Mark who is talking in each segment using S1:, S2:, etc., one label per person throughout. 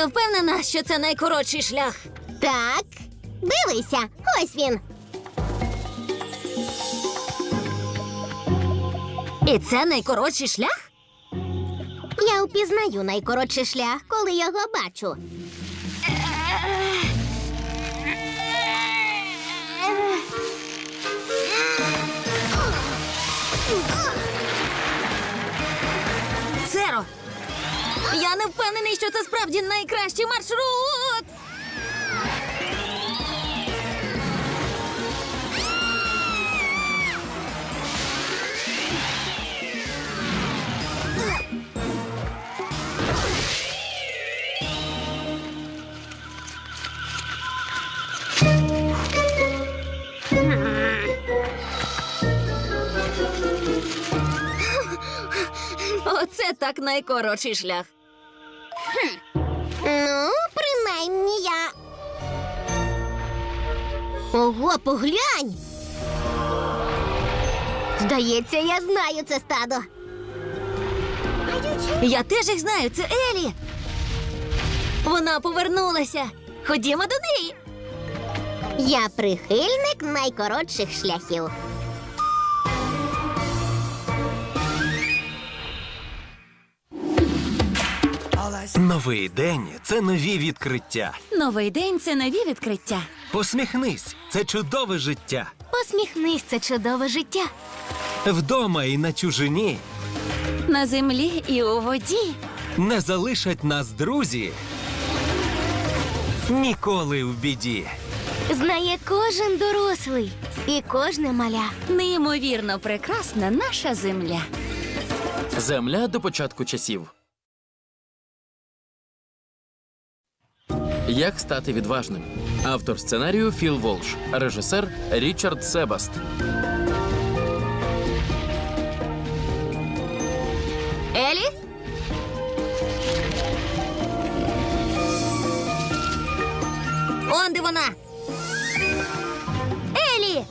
S1: Ти впевнена, що це найкоротший шлях?
S2: Так, дивися, ось він.
S1: І це найкоротший шлях?
S2: Я впізнаю найкоротший шлях, коли його бачу.
S1: Церо! Я не впевнений, що це справді найкращий маршрут! Оце так найкоротший шлях.
S2: Ну, принаймні я. Ого, поглянь! Здається, я знаю це стадо.
S1: Я теж їх знаю, це Елі. Вона повернулася. Ходімо до неї.
S2: Я прихильник найкоротших шляхів.
S3: Новий день – це нові відкриття.
S1: Новий день – це нові відкриття.
S3: Посміхнись – це чудове життя.
S2: Посміхнись, це чудове життя.
S3: Вдома і на чужині
S1: На землі і у воді.
S3: не залишать нас друзі. Ніколи в біді.
S2: Знає кожен дорослий і кожне маля.
S1: Неймовірно прекрасна наша земля.
S4: Земля до початку часів. Як стати відважним? Автор сценарію Філ Волш. Режисер Річард Себаст.
S1: Елі? Он де вона? Елі!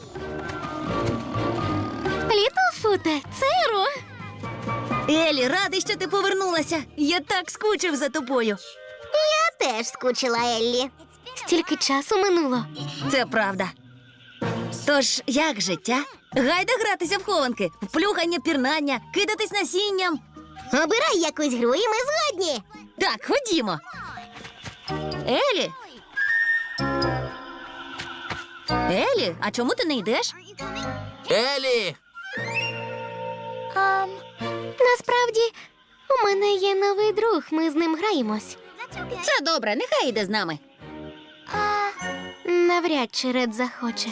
S2: Літлфуте, Церо!
S1: Елі, радий, що ти повернулася. Я так скучив за тобою.
S2: Я теж скучила, Еллі. Стільки часу минуло.
S1: Це правда. Тож, як життя? Гайда гратися в хованки, в плюхання, пірнання, кидатись насінням.
S2: Обирай якусь гру, і ми згодні.
S1: Так, ходімо. Елі? Елі, а чому ти не йдеш?
S4: Елі!
S2: Насправді, у мене є новий друг, ми з ним граємось.
S1: Це добре, нехай йде з нами.
S2: Навряд чи Ред захоче.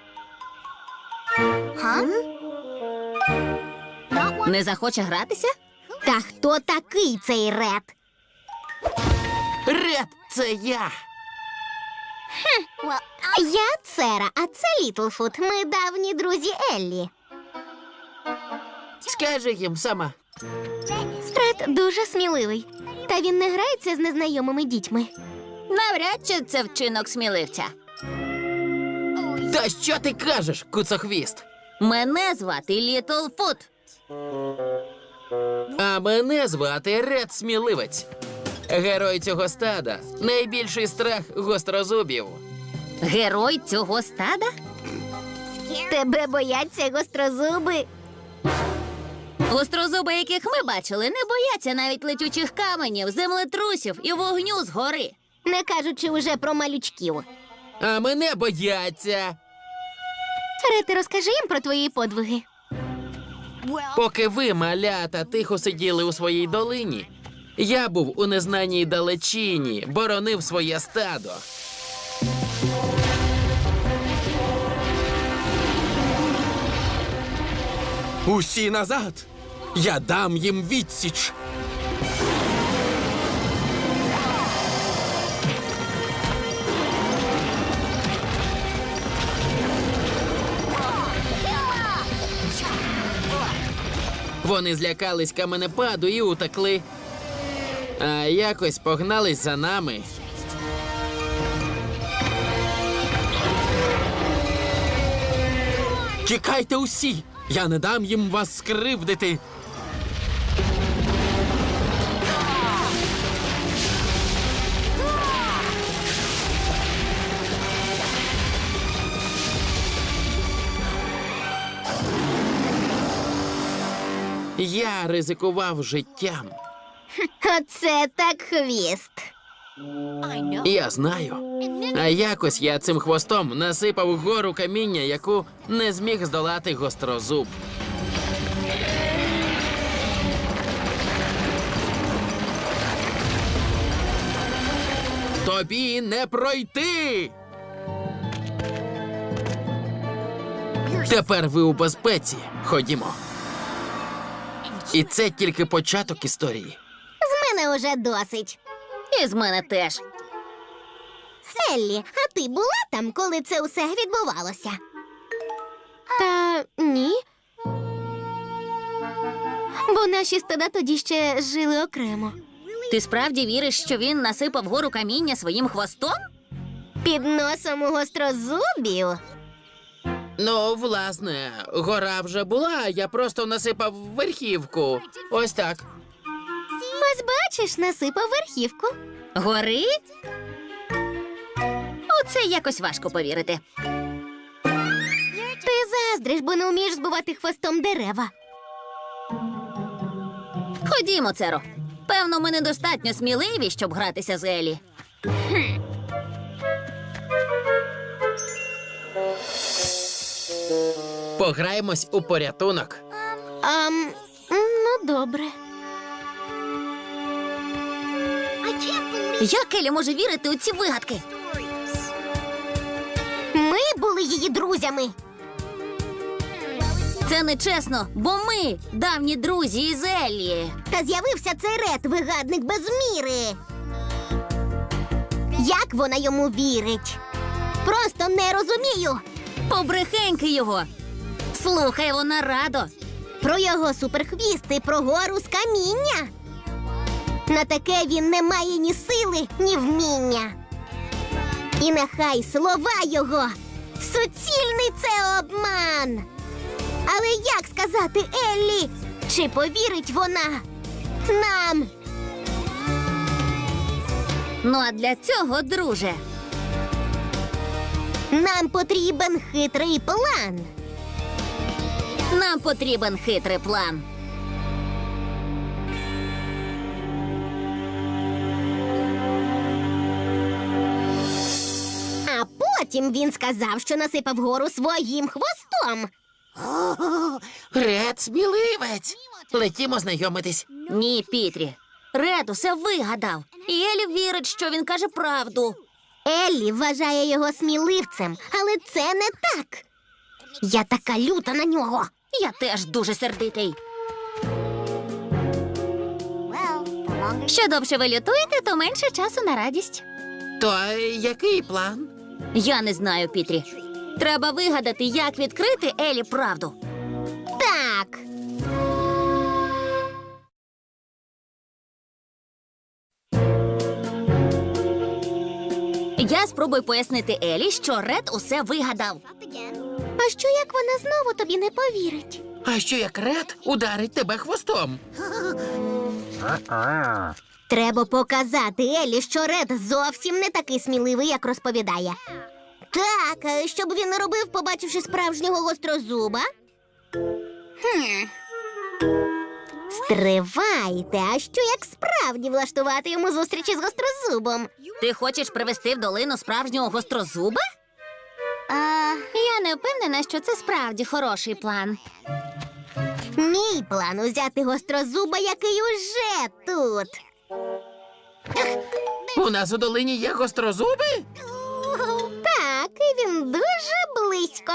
S1: Не захоче гратися?
S2: Та хто такий цей Ред?
S4: Ред, це я!
S2: Я Цера, а це Літлфут. Ми давні друзі Еллі.
S4: Скажи їм сама.
S2: Ред дуже сміливий. Та він не грається з незнайомими дітьми.
S1: Навряд чи це вчинок сміливця.
S4: Та що ти кажеш, куцохвіст?
S1: Мене звати Літлфут.
S4: А мене звати Ред Сміливець. Герой цього стада. Найбільший страх гострозубів.
S1: Герой цього стада?
S2: Тебе бояться гострозуби.
S1: Гострозуби, яких ми бачили, не бояться навіть летючих каменів, землетрусів і вогню згори.
S2: Не кажучи уже про малючків.
S4: А мене бояться.
S2: Ред, розкажи їм про твої подвиги.
S4: Поки ви, малята, тихо сиділи у своїй долині, я був у незнаній далечині, боронив своє стадо. Усі назад! Я дам їм відсіч! Вони злякались каменепаду і утекли. А якось погнались за нами. Тікайте усі! Я не дам їм вас скривдити! Я ризикував життям.
S2: Оце так хвіст.
S4: Я знаю. А якось я цим хвостом насипав гору каміння, яку не зміг здолати гострозуб. Тобі не пройти! Тепер ви у безпеці. Ходімо. І це тільки початок історії.
S2: З мене уже досить.
S1: І з мене теж.
S2: Еллі, а ти була там, коли це усе відбувалося? Та ні. Бо наші стада тоді ще жили окремо.
S1: Ти справді віриш, що він насипав гору каміння своїм хвостом?
S2: Під носом у гострозубів.
S4: Ну, власне, гора вже була, я просто насипав верхівку. Ось так.
S2: Ось бачиш, насипав верхівку.
S1: Гори? У це якось важко повірити.
S2: Ти заздриш, бо не вмієш збивати хвостом дерева.
S1: Ходімо, Церо. Певно, ми недостатньо сміливі, щоб гратися з Елі.
S4: Пограємось у порятунок.
S2: Ну, добре.
S1: Як Елі може вірити у ці вигадки?
S2: Ми були її друзями.
S1: Це нечесно, бо ми давні друзі із Еллі.
S2: Та з'явився цей Ред, вигадник без міри. Як вона йому вірить? Просто не розумію.
S1: Побрехеньки його. Слухай, вона радо.
S2: Про його суперхвіст і про гору з каміння. На таке він не має ні сили, ні вміння. І нехай слова його суцільний це обман. Але як сказати Еллі, чи повірить вона нам?
S1: Ну а для цього, друже,
S2: Нам потрібен хитрий план.
S1: нам потрібен хитрий план.
S2: А потім він сказав, що насипав гору своїм хвостом.
S4: Ред, сміливець. Летімо знайомитись.
S1: Ні, Пітрі. Ред усе вигадав. І Елі вірить, що він каже правду.
S2: Еллі вважає його сміливцем, але це не так. Я така люта на нього.
S1: Я теж дуже сердитий. Що довше ви лютуєте, то менше часу на радість.
S4: То який план?
S1: Я не знаю, Пітрі. Треба вигадати, як відкрити Елі правду.
S2: Так.
S1: Я спробую пояснити Елі, що Ред усе вигадав.
S2: А що як вона знову тобі не повірить?
S4: А що як Ред ударить тебе хвостом?
S2: Треба показати Еллі, що Ред зовсім не такий сміливий, як розповідає. Так, щоб він не робив, побачивши справжнього гострозуба. Стривайте, а що як справді влаштувати йому зустрічі з гострозубом?
S1: Ти хочеш привести в долину справжнього гострозуба? Я не впевнена, що це справді хороший план.
S2: Мій план узяти гострозуба, який уже тут.
S4: У нас у долині є гострозуби?
S2: Так, і він дуже близько.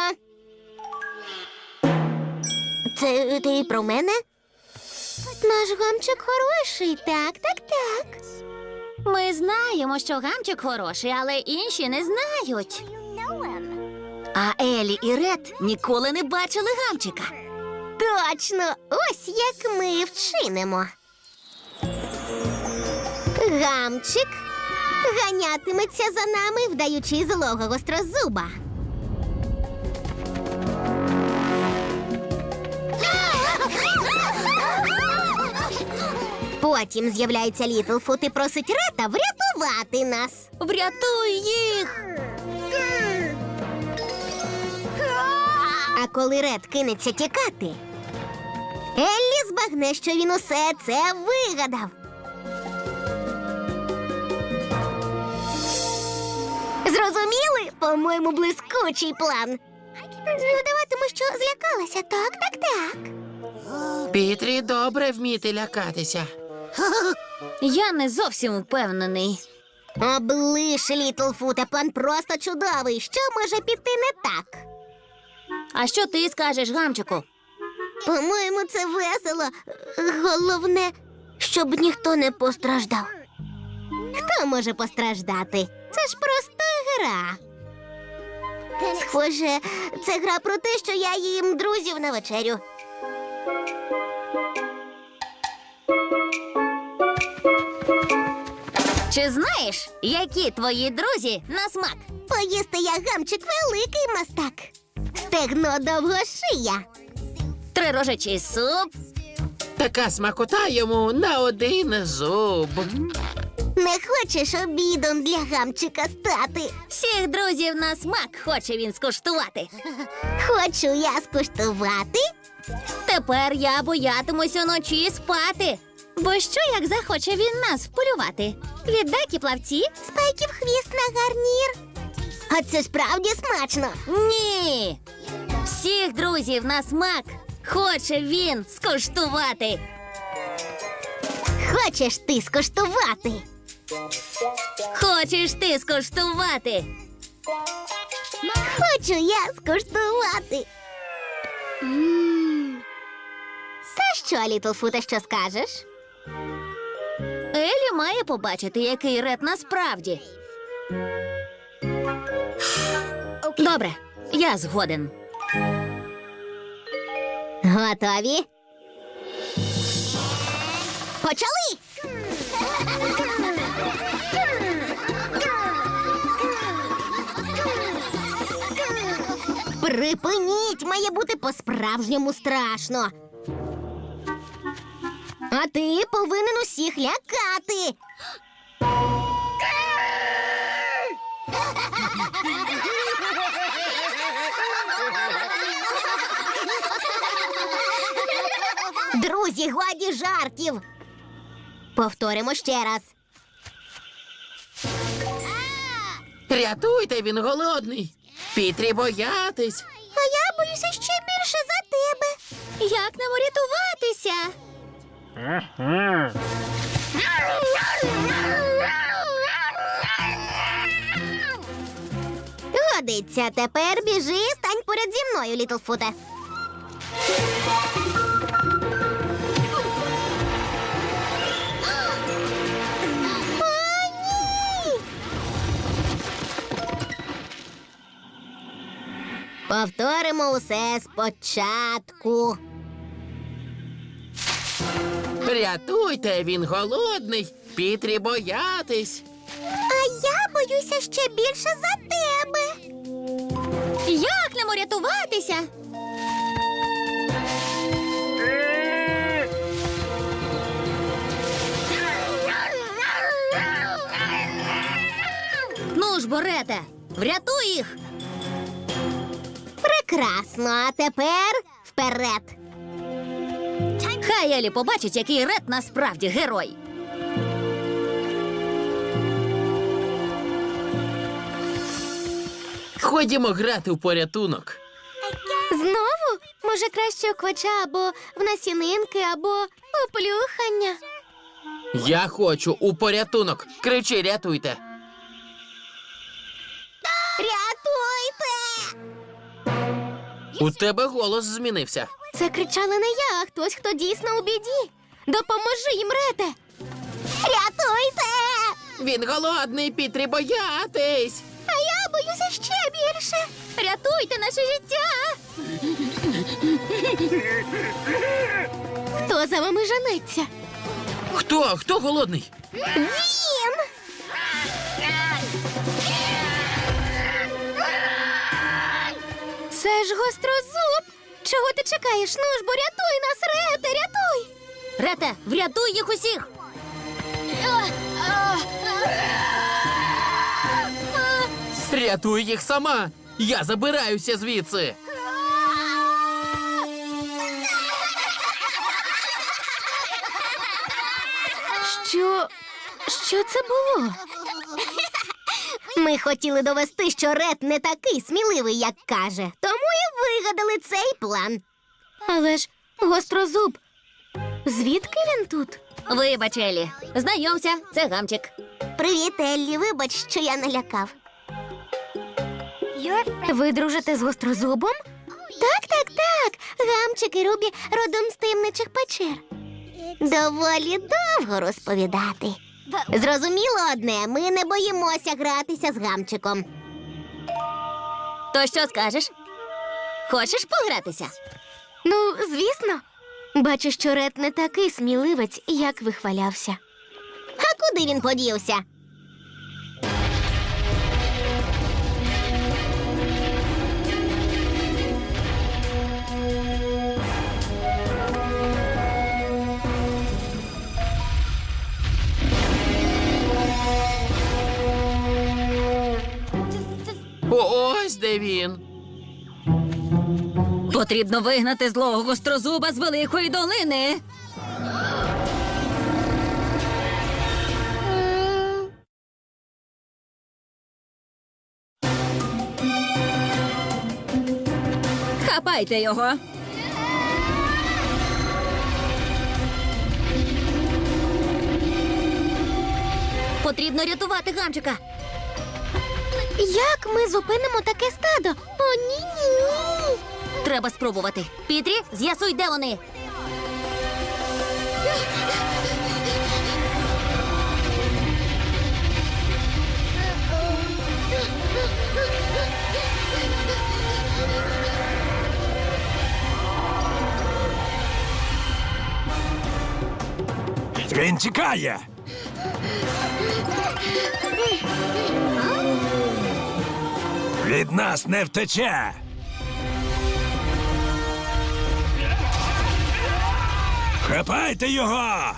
S2: Це ти про мене? Наш гамчик хороший, так.
S1: Ми знаємо, що гамчик хороший, але інші не знають. А Елі і Ред ніколи не бачили гамчика.
S2: Точно, ось як ми вчинимо. Гамчик ганятиметься за нами, вдаючи злого гострозуба. Потім з'являється Літлфут і просить Рета врятувати нас.
S1: Врятуй їх!
S2: А коли Ред кинеться тікати, Еллі збагне, що він усе це вигадав. Зрозуміли? По-моєму, блискучий план. Ну, даватиму, що злякалася. Так.
S4: Пітрі добре вміти лякатися.
S1: Я не зовсім впевнений.
S2: Облиш, Літлфуте, план просто чудовий. Що може піти не так?
S1: А що ти скажеш, Гамчику?
S2: По-моєму, це весело. Головне, щоб ніхто не постраждав. Хто може постраждати? Це ж просто гра. Схоже, це гра про те, що я їм друзів на вечерю.
S1: Чи знаєш, які твої друзі на смак?
S2: Поїсти я, Гамчик, великий мастак. Стегно довгошия.
S1: Трирожечий суп,
S4: Така смакота йому на один зуб.
S2: Не хочеш обідом для Гамчика стати?
S1: всіх друзів на смак хоче він скуштувати.
S2: Хочу я скуштувати.
S1: Тепер я боятимусь уночі спати. Бо що, як захоче він нас вполювати? Віддакі плавці?
S2: Спайків хвіст на гарнір. А це справді смачно.
S1: Ні. Всіх друзів на смак хоче він скуштувати.
S2: Хочеш ти скуштувати?
S1: Хочеш ти скуштувати?
S2: Хочу я скуштувати. Та що, Літлфуте, що скажеш?
S1: Елі має побачити, який Ред насправді. Добре, я згоден.
S2: Готові? Почали! Припиніть! Має бути по-справжньому страшно. А ти повинен усіх лякати. Друзі, годі жартів. Повторимо ще раз.
S4: Рятуйте, він голодний. Пітрі боятись.
S2: А я боюся ще більше за тебе.
S1: Як нам урятуватися?
S2: Годиться, тепер біжи, стань поряд зі мною, Літлфуте. О, ні! Повторимо усе спочатку.
S4: Рятуйте, він голодний. Пітрі боятись.
S2: А я боюся ще більше за тебе.
S1: Як нам урятуватися? Ну ж, Борете, врятуй їх!
S2: Прекрасно, а тепер вперед.
S1: Хай Елі побачить, який Ред насправді герой.
S4: Ходімо грати в порятунок.
S2: Знову? Може, краще у квача або в насінинки, або у плюхання.
S4: Я хочу у порятунок. Кричи, рятуйте.
S2: Рятуйте!
S4: У тебе голос змінився.
S2: Це кричали не я, а хтось, хто дійсно у біді. Допоможи їм, Рете! Рятуйте!
S4: Він голодний, Пітрі боятись.
S2: А я боюся ще більше.
S1: Рятуйте наше життя!
S2: Хто за вами жениться?
S4: Хто? Хто голодний?
S2: Він! Це ж гострозуб! Чого ти чекаєш? Ну ж, бо рятуй нас, Рете, рятуй!
S1: Рете, врятуй їх усіх!
S4: Рятуй їх сама. Я забираюся звідси.
S2: Що це було? Ми хотіли довести, що Ред не такий сміливий, як каже. Тому і вигадали цей план. Але ж гострозуб, звідки він тут?
S1: Вибач, Елі. Знайомся, це Гамчик.
S2: Привіт, Еллі, вибач, що я налякав. Ви дружите з гострозубом? Так. Гамчик і Рубі родом з таємничих печер. Доволі довго розповідати. Зрозуміло одне, ми не боїмося гратися з Гамчиком.
S1: То що скажеш? Хочеш погратися?
S2: Ну, звісно. Бачу, що Ред не такий сміливець, як вихвалявся. А куди він подівся?
S4: Ось де він.
S1: Потрібно вигнати злого гострозуба з Великої долини. Хапайте його. Потрібно рятувати Гамчика.
S2: Як ми зупинимо таке стадо? О, ні.
S1: Треба спробувати. Пітрі, з'ясуй, де вони.
S3: Він тікає. Від нас не втече. Хапайте його!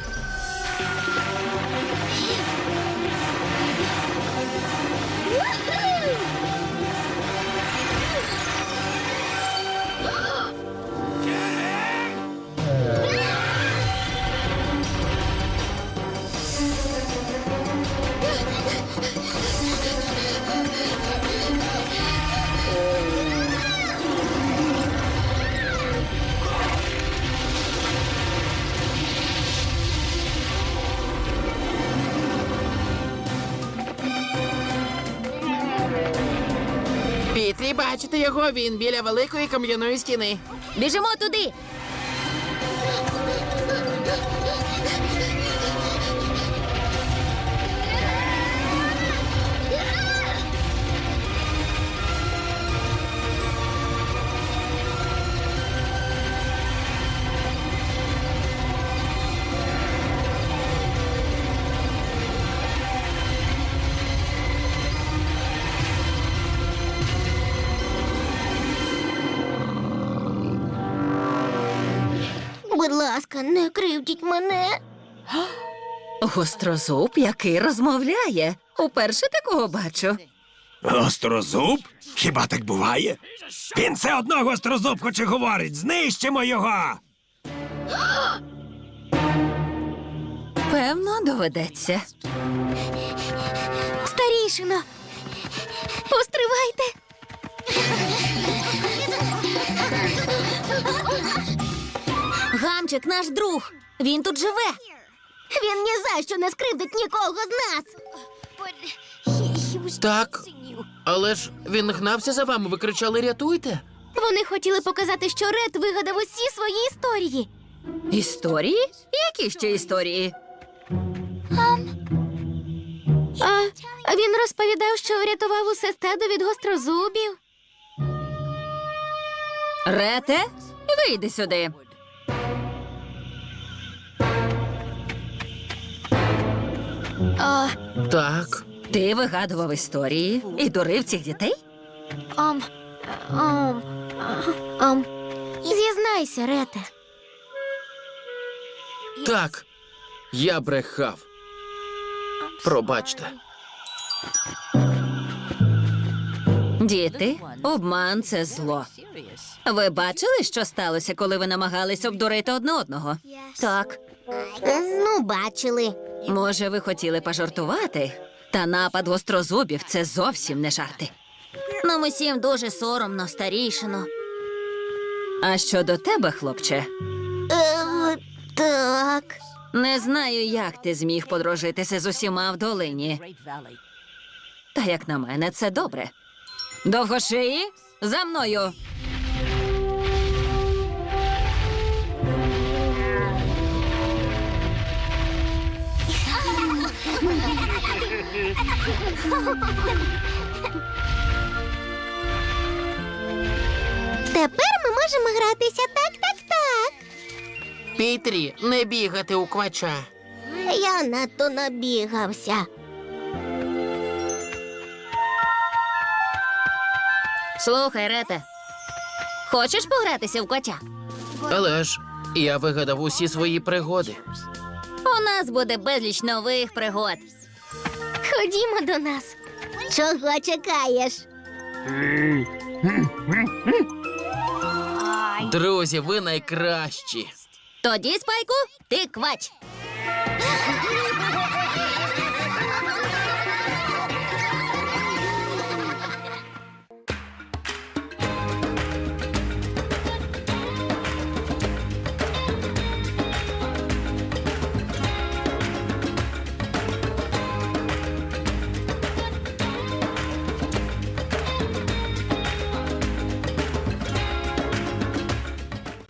S4: Пітрі, бачите його? Він біля великої кам'яної стіни.
S1: Біжимо туди.
S2: Будь ласка, не кривдіть мене.
S1: Гострозуб, який розмовляє. Уперше такого бачу.
S3: Гострозуб? Хіба так буває? Він все одно гострозуб хоче говорить. Знищимо його!
S1: Певно, доведеться.
S2: Старішино, постривайте.
S1: Гамчик наш друг. Він тут живе.
S2: Він ні за що не скривдить нікого з нас.
S4: Так, але ж він гнався за вами, ви кричали «рятуйте».
S2: Вони хотіли показати, що Ред вигадав усі свої історії.
S1: Історії? Які ще історії?
S2: А він розповідав, що врятував усе стадо від гострозубів.
S1: Рете, вийди сюди.
S4: Так.
S1: Ти вигадував історії і дурив цих дітей?
S2: Зізнайся, Рете.
S4: Так. Я брехав. Пробачте.
S1: Діти, обман – це зло. Ви бачили, що сталося, коли ви намагались обдурити одне одного? Так.
S2: Ну, бачили.
S1: Може, ви хотіли пожартувати? Та напад гострозубів – це зовсім не жарти. Нам усім дуже соромно, старішино. А щодо тебе, хлопче,
S2: Так.
S1: не знаю, як ти зміг подружитися з усіма в долині. Та, як на мене, це добре. Довгошиї, за мною!
S2: Тепер ми можемо гратися так.
S4: Пітрі, не бігати у квача.
S2: Я надто набігався.
S1: Слухай, Рете, хочеш погратися в котя?
S4: Але ж я вигадав усі свої пригоди.
S1: У нас буде безліч нових пригод.
S2: Ходімо до нас. Чого чекаєш?
S4: Друзі, ви найкращі.
S1: Тоді, Спайку, ти квач.